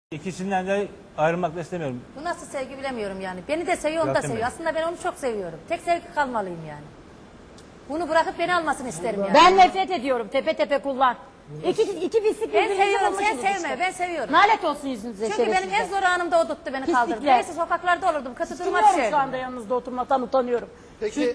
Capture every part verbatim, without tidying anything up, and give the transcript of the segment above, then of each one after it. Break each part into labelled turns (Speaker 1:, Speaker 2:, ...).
Speaker 1: İkisinden de ayrılmak da istemiyorum.
Speaker 2: Bu nasıl sevgi bilemiyorum yani. Beni de seviyor, onu da seviyor. Aslında ben onu çok seviyorum. Tek sevgi kalmalıyım yani. Bunu bırakıp beni almasını isterim yani.
Speaker 3: Ben nefret ediyorum. Tepe tepe kullan. İki, iki pislik
Speaker 2: Ben
Speaker 3: birbirinize
Speaker 2: seviyorum, sen
Speaker 3: bulmuşsunuz
Speaker 2: sevme.
Speaker 3: işte.
Speaker 2: Ben seviyorum.
Speaker 3: Nalet olsun yüzünüze
Speaker 2: Çünkü benim en
Speaker 3: şerefsizler.
Speaker 2: zor anımda o tuttu beni
Speaker 3: Pislikler.
Speaker 2: kaldırdı. Neyse sokaklarda olurdum. Kötü duruma
Speaker 3: Bilmiyorum
Speaker 2: düşerdim.
Speaker 3: şu anda yanınızda oturmaktan utanıyorum.
Speaker 4: Peki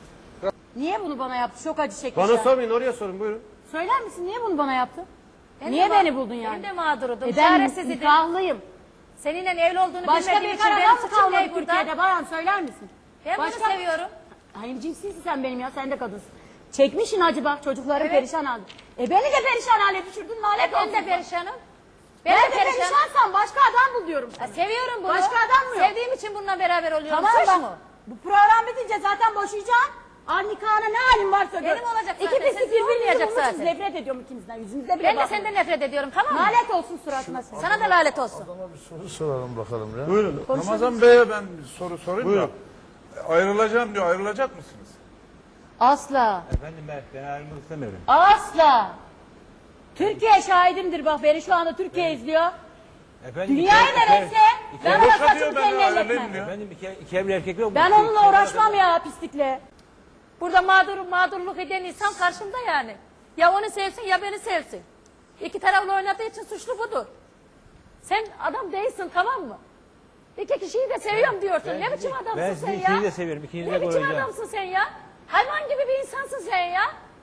Speaker 3: Niye bunu bana yaptı? Çok acı çekmiş.
Speaker 4: bana
Speaker 3: ya.
Speaker 4: sormayın, oraya sorun, buyurun.
Speaker 3: Söyler misin? Niye bunu bana yaptı?
Speaker 2: Ben
Speaker 3: Niye
Speaker 2: de
Speaker 3: beni
Speaker 2: ma-
Speaker 3: buldun yani?
Speaker 2: Ben de mağdurudum.
Speaker 3: E ben
Speaker 2: Çaresiz idim.
Speaker 3: nikahlıyım.
Speaker 2: Seninle evli olduğunu
Speaker 3: Başka
Speaker 2: bilmediğim
Speaker 3: bir
Speaker 2: için benim
Speaker 3: karadan mı
Speaker 2: suçum ne
Speaker 3: kalmadı
Speaker 2: burada?
Speaker 3: Türkiye'de? Bayan söyler misin?
Speaker 2: Ben
Speaker 3: Başka-
Speaker 2: bunu seviyorum.
Speaker 3: Hayır cinsisin sen benim ya. Sen de kadınsın. Çekmişsin acı bak. Çocukların
Speaker 2: Evet.
Speaker 3: perişan halde. E beni de perişan hale düşürdün. Lanet
Speaker 2: Ben
Speaker 3: olsun.
Speaker 2: de perişanım.
Speaker 3: Ben,
Speaker 2: Ben
Speaker 3: de
Speaker 2: de perişanım.
Speaker 3: perişansam başka adam bul diyorum sana.
Speaker 2: Ya seviyorum bunu.
Speaker 3: Başka adam mı yok?
Speaker 2: Sevdiğim için bununla beraber oluyorum.
Speaker 3: Tamam
Speaker 2: Suç
Speaker 3: bak.
Speaker 2: mu?
Speaker 3: Bu program bitince zaten boşayacağım. Al nikahına ne halin varsa gör.
Speaker 2: Benim olacak
Speaker 3: İki
Speaker 2: zaten,
Speaker 3: pislik
Speaker 2: senin
Speaker 3: birbirinizi
Speaker 2: olmayacak
Speaker 3: bulmuşsunuz.
Speaker 2: zaten.
Speaker 3: Nefret ediyorum ikinizden. Yüzünüzde bile
Speaker 2: Ben de
Speaker 3: bakmıyorum.
Speaker 2: senden nefret ediyorum, tamam mı?
Speaker 3: Lanet olsun suratına sen.
Speaker 2: Sana da lanet olsun.
Speaker 5: Adama bir soru soralım bakalım ya.
Speaker 6: Buyurun. Ramazan Bey'e ben bir soru sorayım da. Ayrılacağım diyor. Ayrılacak mısınız?
Speaker 3: Asla.
Speaker 1: Efendim ben, ben ayrılmak istemiyorum.
Speaker 3: Asla. Türkiye şahidimdir bak beni şu anda Türkiye izliyor.
Speaker 1: Efendim,
Speaker 3: Dünyayı
Speaker 1: iki-
Speaker 3: da
Speaker 1: iki-
Speaker 3: verse
Speaker 1: iki-
Speaker 3: ben
Speaker 1: iki-
Speaker 3: ona
Speaker 6: Boşa diyor,
Speaker 3: saçımı
Speaker 6: ben
Speaker 3: teline
Speaker 6: ayrılayım
Speaker 3: elletmem.
Speaker 6: diyor.
Speaker 1: Efendim iki, iki evli erkek yok mu?
Speaker 3: Ben
Speaker 1: İki-
Speaker 3: onunla
Speaker 1: iki-
Speaker 3: uğraşmam ya pislikle.
Speaker 2: Burada mağdur, mağdurluk eden insan karşımda yani. Ya onu sevsin ya beni sevsin. İki taraflı oynadığı için suçlu budur. Sen adam değilsin, tamam mı? İki kişiyi de seviyorum diyorsun.
Speaker 1: Ben-
Speaker 2: ne biçim adamsın
Speaker 1: ben
Speaker 2: sen ya?
Speaker 1: ikinizi de seviyorum, ikinizi
Speaker 2: Ne
Speaker 1: de
Speaker 2: biçim
Speaker 1: koruyacağım.
Speaker 2: adamsın sen ya? Hayvan gibi bir insansın sen ya.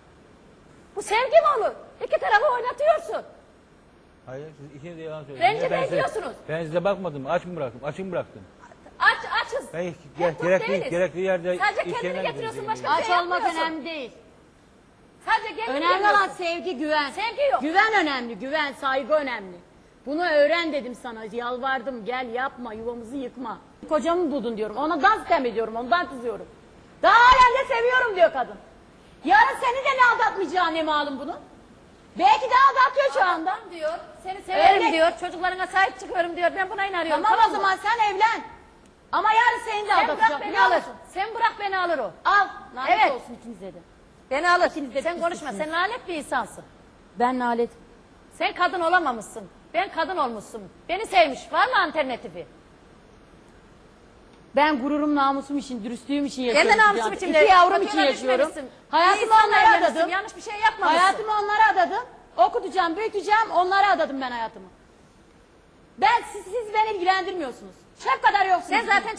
Speaker 2: Bu sevgi mi olur? İki tarafı oynatıyorsun.
Speaker 1: Hayır siz ikiniz de yalan söylüyorsunuz.
Speaker 2: Rencide
Speaker 1: Ben size-
Speaker 2: ediyorsunuz.
Speaker 1: Ben size bakmadım. Aç mı bıraktım? Açık mı bıraktım?
Speaker 2: Aç, açız.
Speaker 1: Ben
Speaker 2: Hep
Speaker 1: gerek,
Speaker 2: tok
Speaker 1: gerekli,
Speaker 2: değiliz.
Speaker 1: gerekli yerde...
Speaker 2: Sadece
Speaker 1: iş
Speaker 2: kendini
Speaker 1: yerine
Speaker 2: getiriyorsun,
Speaker 1: gideceğim.
Speaker 2: başka bir
Speaker 3: Aç
Speaker 2: şey
Speaker 3: olmak
Speaker 2: yapmıyorsun.
Speaker 3: önemli değil.
Speaker 2: Sadece kendini
Speaker 3: Önemli olan
Speaker 2: getiriyorsun.
Speaker 3: sevgi, güven.
Speaker 2: Sevgi yok.
Speaker 3: Güven önemli, güven, saygı önemli. Bunu öğren dedim sana. Yalvardım, gel yapma, yuvamızı yıkma. Kocamı buldun diyorum. Ona dans sitem ediyorum, ondan kızıyorum. Daha halen de seviyorum diyor kadın. Yarın seni de ne aldatmayacağı ne malum bunun? Belki de aldatıyor şu anda.
Speaker 2: Adam diyor, seni severim
Speaker 3: Öyle.
Speaker 2: diyor, çocuklarına sahip çıkıyorum diyor. Ben buna inanıyorum.
Speaker 3: Tamam o
Speaker 2: mı?
Speaker 3: zaman sen evlen. Ama yarın seni de
Speaker 2: Sen bırak
Speaker 3: aldatacak
Speaker 2: beni
Speaker 3: biliyor
Speaker 2: alır.
Speaker 3: musun?
Speaker 2: Sen bırak beni alır o.
Speaker 3: Al, lanet
Speaker 2: Evet.
Speaker 3: olsun ikinize de.
Speaker 2: Beni alır.
Speaker 3: İkiniz de
Speaker 2: Sen konuşma.
Speaker 3: pisliksiniz.
Speaker 2: Sen lanet bir insansın.
Speaker 3: Ben lanet.
Speaker 2: Sen kadın olamamışsın. Ben kadın olmuşsun. Beni sevmiş. Var mı alternatifi?
Speaker 3: Ben gururum, namusum için, dürüstlüğüm için
Speaker 2: Ben
Speaker 3: yaşıyorum.
Speaker 2: de namusum
Speaker 3: yani.
Speaker 2: için.
Speaker 3: İki yavrum
Speaker 2: Kötü
Speaker 3: için
Speaker 2: yola
Speaker 3: yaşıyorum.
Speaker 2: düşmemişsin. İyi
Speaker 3: Hayatımı
Speaker 2: insanla
Speaker 3: onlara
Speaker 2: evlenmişsin,
Speaker 3: adadım.
Speaker 2: yanlış bir şey yapmamışsın.
Speaker 3: Hayatımı onlara adadım. Okutacağım, büyüteceğim, onlara adadım ben hayatımı. Ben, siz, siz beni ilgilendirmiyorsunuz. Şef kadar yoksunuz.
Speaker 2: Sen zaten